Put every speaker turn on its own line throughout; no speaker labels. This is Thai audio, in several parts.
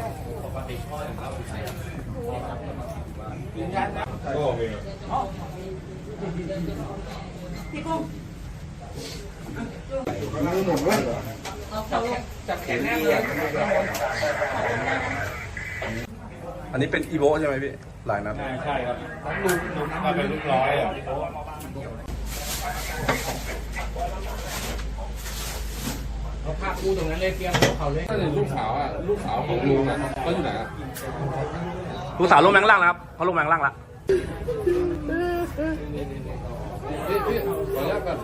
พี่กุ้งจับแขนแน่เลย
อันนี้เป็นอีโวใช่ไหมพี่หลายนัด
ใช่ครับลูกมาเป็นลูกร้อยอ่ะ
เขาพาคู่ตรงนั้นเลยเพียงเขาเลย
ลูกสาวอ่ะลูกสาวของลุงอ่ะเขาอยู่ไหนอ่ะ
ลูกสาวลงแมงล่างนะครับเขาลงแมงล่างละ
พี่ขออนุญาตแบบ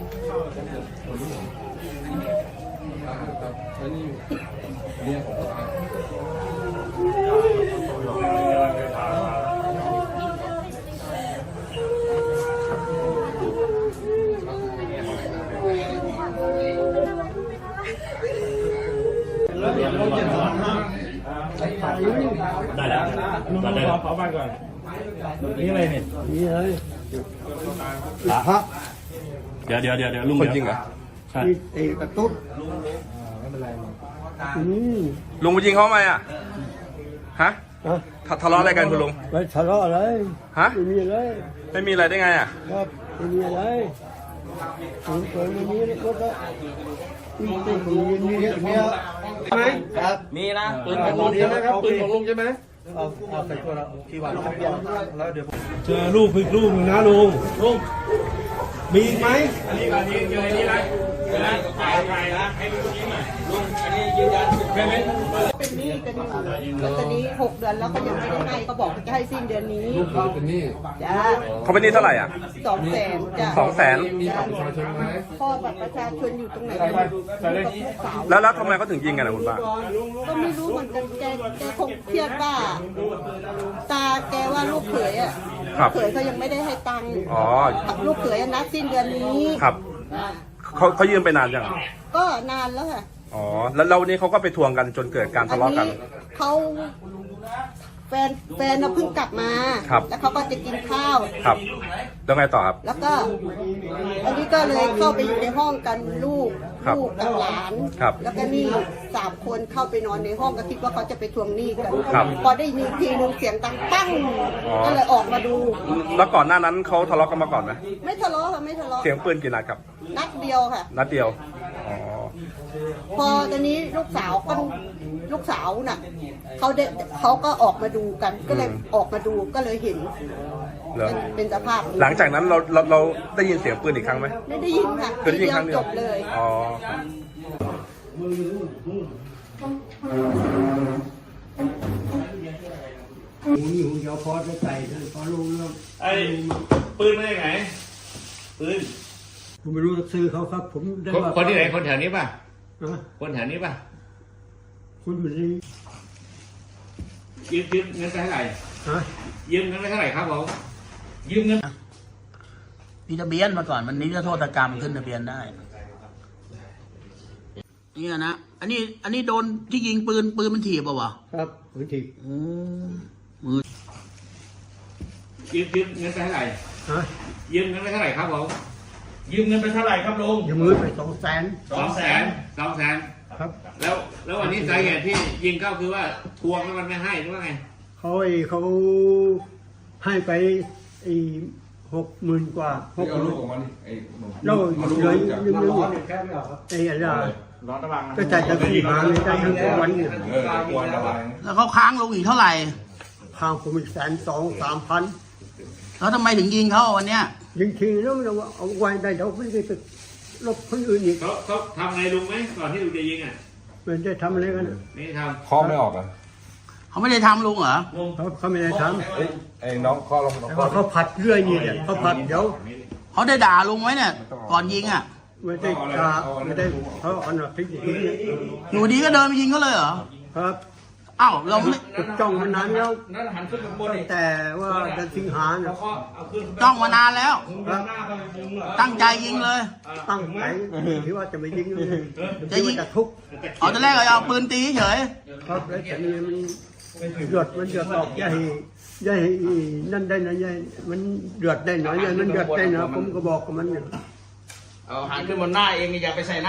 อันนี้เนี่ยของ
ได้แล้วได้แล้วขอบ้านก่อนนี่อะไรเนี่ยนี่เลยฮะเดี๋ยวลุง
คนจริงเหรอ
ใช่
กระตุ้น
ลุงไปยิงเขาทำไมอ่ะฮะทะเลาะอะไรกันคุณลุง
ไม่ทะเลาะอะไร
ฮะ
ไม่มีอะไร
ไม่มีอะไรได้ไงอ่ะ
ครับไม่มีอะไรผมเคยไม่มีแล้วก็มีใช่ไหมครับ
มีนะ
ปืนของลุงใช่ไหมครับปืนของลุงใช่ไหม
เอาใส่ตัวเราที่วันแล้วเดี๋ยว
เจอลูกอีกลูกนึงนะลุงมีไหม
อันนี้มาทีเจออันนี้นะถ่ายนะให้ลุงยิ้มหน่อยลุงอันนี้ยืนยันใช่ไหม
เป็นหนี้กันอยู่แล้วตอนนี้6 เดือนแล้วก็ยังไม่ได้ให้ก็บอกจะให้สิ้นเดือนนี้
ลูกเขาเป็นหนี้
จ้า
เขาเป็นหนี้เท่าไหร่อ่ะ
200,000จ้า
มีบัตรประชาชนไหม
พ่อบัตรประชาชนอยู่ตรงไหน
แล้วทำไมเขาถึงยิงกันนะคุณป้า
ก็ไม่รู้เหมือนกันแกคงเครียดว่าตาแกว่าลูกเขยอ่ะลูกเขยเขายังไม่ได้ให้ตังค์ลูกเขยนัดสิ้นเดือนนี้
ครับเขายืมไปนานยัง
ก็นานแล้วค่ะ
อ๋อแล้ววันนี้เขาก็ไปทวงกันจนเกิดการทะเลาะกัน
เขาแฟนเพิ่งกลับมาแล้วเขาก็จะกินข้าว
ครับแล้วไงต่อครับ
แล้วก็อันนี้ก็เลยเข้าไปอยู่ในห้องกันลูกกับหลานแล้วก็นี่3 คนเข้าไปนอนในห้องก็คิดว่าเขาจะไปทวงหนี้กันพอได้ยินทีนึงเสียงดังปั้งก็เลยออกมาดู
แล้วก่อนหน้านั้นเขาทะเลาะกันมาก่อนไหม
ไม่ทะเลาะค่ะไม่ทะเลาะ
เสียงปืนกี่นัดครับ
นัดเดียวค่ะ
นัดเดียวอ๋อ
พอตอนนี้ลูกสาวน่ะเขาก็ออกมาดูกันก็เลยออกมาดูก็เลยเห็นเป็นสภาพ
หลังจากนั้นเราได้ยินเสียงปืนอีกครั้งไหม
ไม่ได้ยินค่ะ
คือได้ยินครั้งเดียว
จบเลย
อ๋อ
นี่ผมจะพอจะใส่พอรู้เรื่อง
ไอ้ปืนมาจากไหนปืน
ผมไม่รู้จะซื้อเขาครับผมได้ว่า
คนที่ไหนคนแถวนี้ป่ะคนแถวนี้ป่ะ
คุณอยู่นี่
ยืมเงินไปเท่าไหร่ยืมเงินไปเท่าไหร่ครับผมยืมเงิน
มีทะเบียนมาก่อนมันนี้จะโทษกรรมขึ้นทะเบียนได้นี่นะอันนี้โดนที่ยิงปืนมันถีบป่ะวะ
ครับปืนถีบ
มือยืมเงินไปเท่าไหร่ยืมเงินไปเท่าไหร่ครับผมยืมเงินไปเท่าไหร่ครับลุง
ยืมเงินไป
200,000ครับแล้ววันนี้สาเหตุที่ยิงก็คือว่าทวงแล้วมันไม่ให้หรือว่าไง
เขาให้ไป60,000 กว่า
60,000ของมัน
เราเลยยืมอะไรก็จ่ายจะขี่มาเลยได้ทั้งวันเนี่ย
แล้วเขาค้างลงอีกเท่าไหร่
ค้างผมอีก120,000-3,000
แล้วทำไมถึงยิงเขาวันเนี้ย
ยิงทีแล้วเราเอาไว้ได้เดี๋ยวไม่ได้ไปลบคนอื่นอีก
เขาทำไงลุงไหมก่อนที่ลุงจะยิงอ่ะ
มันจะทำอะไรกัน
ไม่ทำ
ข้อไม่ออกอ่ะ
เขาไม่ได้ทำลุงเหรอ
เขาไม่ได้ท
ำไอ้น้องข้อลง
เขาผัดเรื่อยนี่เนี่ยเขาผัดเดี๋ยว
เขาได้ด่าลุงไหมเนี่ยก่อนยิงอ่ะ
ไม่ได้ด่าไม่ได้เขาเอาหนักพลิก
หนูดีก็เดินไปยิงเขาเลยเหรอ
ครับ
อ้าวเราไม่
จ้องมานานแล้วแต่ว่าจะสิงหาเนี่ย
จ้องมานานแล้วตั้งใจยิงเลย
ตั้งใจที่ว่าจะไม่ยิงจะยิงจะทุบ
ตอนแรกเอาปืนตีเฉย
ครับแล้วแต่นี่มันหยดออกใหญ่นั่นได้นะใหญ่มันเดือดได้หน่อยใหญ่มันเดือดได้นะผมก็บอกกับมันเนี่ย
เอาหันขึ้นบนหน้าเองอย่าไปใส่หน้า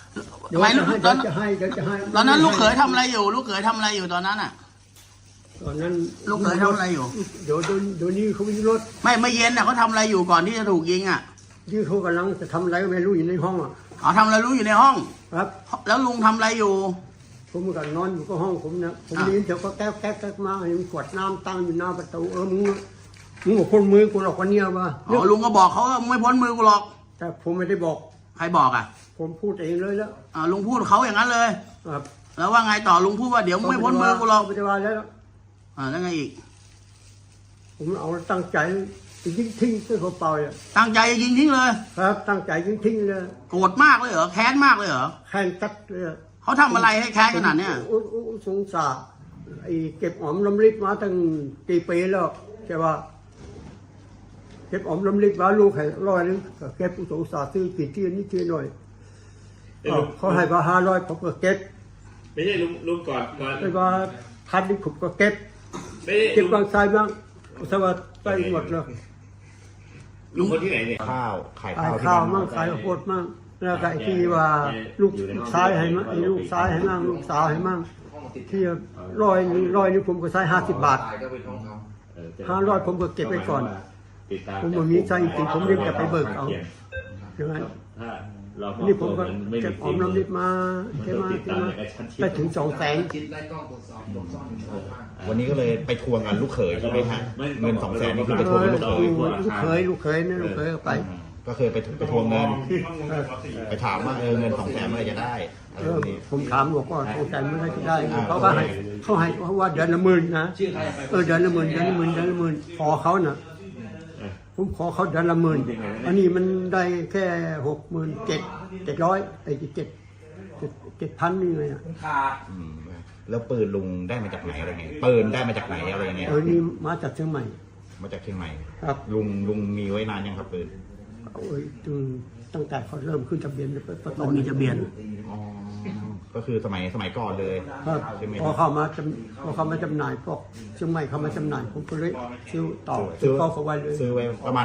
เดี๋ยว
ไม่
จะให้
ตอน
จะให้เดี๋ยวจะให้
ตอนนั้นลูกเขยทำอะไรอยู่ ลูกเขยทำอะไรอยู่ตอนนั้นอ่ะ
ตอนนั้น
ลูกเขยทำอะไรอยู่
เดี๋ยวนี้เขาวิ่งรถ
ไม่เย็นอ่ะเขาทำอะไรอยู่ก่อนที่จะถูกยิงอ่ะ
ที่เขากำลังจะทำอะไรก็ไม่รู้อยู่ในห้องอ่ะ
อ๋อทำอะไรรู้อยู่ในห้อง
ครับ
แล้วลุงทำอะไรอยู่
ผมก็นอนอยู่ก็ห้องผมนะผมได้ยินเสียงก็แก๊กมาเห็นขวดน้ำตั้งอยู่หน้าประตูมึงบอกคนมือกูหรอกวันเนี้ยว่า
อ๋อลุงก็บอกเขาว่าไม่พ้นมือกูหรอก
แต่ผมไม่ได้บอก
ใครบอกอ่ะ
ผมพูดเองเลยแล้ว
ลุงพูดเขาอย่างนั้นเลย
ครับ
แล้วว่าไงต่อลุงพูดว่าเดี๋ยวมึงไม่พ้นมือกูหรอก
ไม่ได้ว่าแล้ว
แล้วไงอีก
ผมเอาตั้งใจยิงทิ้งด้วยหัวเปล่าอ่ะ
ตั้งใจจะยิงทิ้งเลย
ครับตั้งใจยิงทิ้งเลย
โกรธมากเลยเหรอแค้นมากเลยเหรอ
แค้นตัดเลย
เขาทำอะไรให้แค้นขนาดเนี้ย
สงสารไอ้เก็บหอมรำลิบมาตั้งกี่ปีแล้วใช่ป่ะเก็บหอมรำลิบมาลูกให้100 นึงก็เก็บสงสารซื้อกี่ที่นี่ที่หน่อยเขาให้มา500ผมก็เก็บ
ไม่ใช่ลุงก่อน
ไปมา1,000นี่ผมก็เก็บ
ไม่ใช่
เก็บบางทรายบ้างสวัสดิ์ไปหมดเลย
ลุงคนที่ไหนเนี่ย
ข้าวขาย
ขาย
ข้าว
ข้าวมั่งขายข้าวโพดมั่งแล้วก็ไอ้ที่ว่าลูกซ้ายให้มั่งไอ้ลูกซ้ายให้มั่งลูกสาวให้มั่งที่100นี่ผมก็ใช้50 บาท 500ผมก็เก็บไว้ก่อน ผมบ่มีใจจริงๆผมเรียกจะไปเบิกเอาอย่างนั้นนี่ผมก็เก็บหอมรำลิบมาใช่ไหมไปถึง200,000
วันนี้ก็เลยไปทวงกันลูกเขยใช่ไหมฮะเงิน200,000นี่คือไปทวงกับลูกเขย
ลูกเคยนะลูกเคยก็ไป
ก็เคยไปทวงเงิน ไปถามว่าเงิน200,000เมื่อไหร่จะได้อะไรพวกนี้
ผมถามบอกว่า200,000เมื่อไหรจะได้เขาก็ให้เขาว่าเดือนละ10,000นะเดือนละ10,000ขอเขาน่ะผมขอเขาเดือนละ10,000อันนี้มันได้แค่67,700ไอ้7,000นี่ไงอ่ะ
อืมแล้วปืนลุงได้มาจากไหนอะไรเงี้ยปืนได้มาจากไหนอะไรเงี้ย
นี่มาจากเชียงใหม่
มาจากเชียงใหม่
ครับ
ลุงมีไว้นานยังครับปืน
ตั้งแต่เขาเริ่มขึ้นทะเบียนประตู
มันมีทะเบียน
อ๋อก็คือสมัยก่อนเลย
ครับ
ใช่ไหม
พอเข้ามาจำหน่ายพวกเชียงใหม่เข้ามาจำหน่ายผมก็เลยซื้อต่อ
ซื้อ
เข้าไว้เลย
ซื้อไว้ประมาณ